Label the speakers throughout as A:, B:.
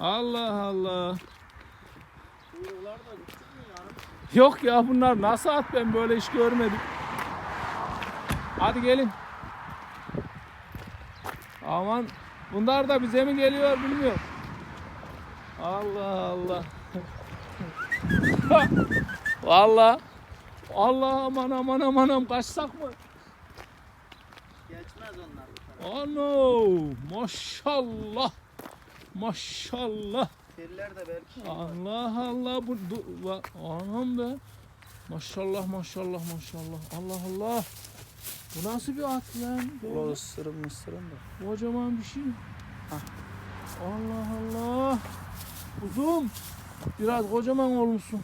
A: Allah Allah. Yok ya, bunlar nasıl at, ben böyle hiç görmedim. Hadi gelin. Aman, bunlar da bize mi geliyor bilmiyorum. Allah Allah. Vallahi. Allah, aman aman aman aman, kaçsak mı?
B: Geçmez onlar bu tarafa.
A: Ano, maşallah. Maşallah.
B: Teller de belki.
A: Allah Allah, anam be. Maşallah maşallah maşallah. Allah Allah. Bu nasıl bir at lan?
B: O ısırım da.
A: Kocaman bir şey.
B: Hah.
A: Allah Allah. Uzun. Biraz kocaman olmuşsun.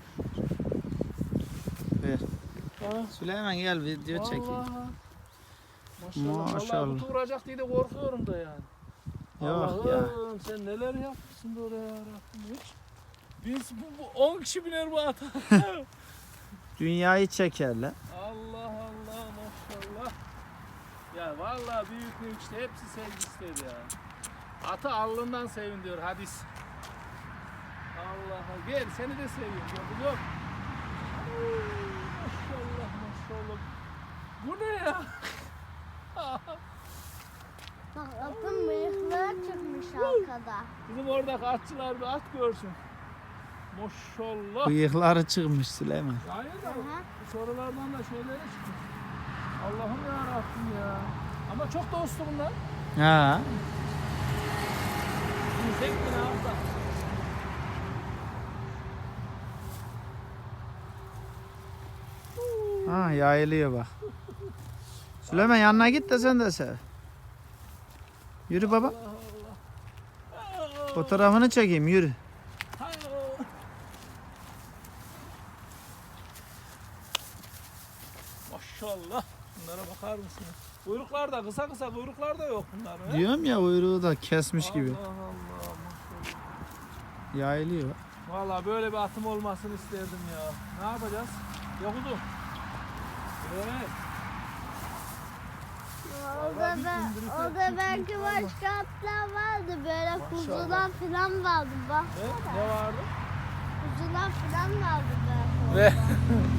B: Ver.
A: Ha.
B: Süleyman gel video çekeyim.
A: Vallahi. Maşallah.
B: Maşallah.
A: Vallahi vuracak diye de korkuyorum da yani.
B: Yok ya.
A: Allah'ım, sen neler yapmışsın böyle ya Rabbim hiç. Biz bu 10 kişi biner bu ata.
B: Dünyayı çekerler.
A: Allah Allah, maşallah. Ya vallahi büyük işte, hepsi sevgi istedi ya. Atı alnından sevin diyor hadis. Allah Allah, gel seni de seviyorum, gördün yok. Maşallah maşallah. Bu ne ya?
C: Bak atın bıyıkları çıkmış arkada.
A: Bizim oradaki atçılar bir at görsün. Maşallah.
B: Bıyıkları çıkmış Süleyman.
A: Hayır da
C: Aha.
A: bu sorulardan da şeylere çıkmış. Allah'ım ya Rabbim ya. Ama çok da uslu bunlar.
B: Ha.
A: Yüzek mi ne yaptı?
B: Ha, yayılıyor bak. Süleyman yanına git de sen de sev. Yürü baba.
A: Allah Allah.
B: Fotoğrafını çekeyim, yürü.
A: Maşallah. Bunlara bakar mısın? Kuyruklar da kısa kısa, kuyruklar da yok bunların. he?
B: Diyorum ya, uyruğu da kesmiş gibi.
A: Allah Allah maşallah.
B: Yayılıyor.
A: Vallahi böyle bir atım olmasını isterdim ya. Ne yapacağız? Yakudum. Evet.
C: Orada belki başka atlar vardı. Böyle kuzular falan vardı bak.
A: Ne vardı?
C: Kuzular falan vardı belki orada.
A: Ve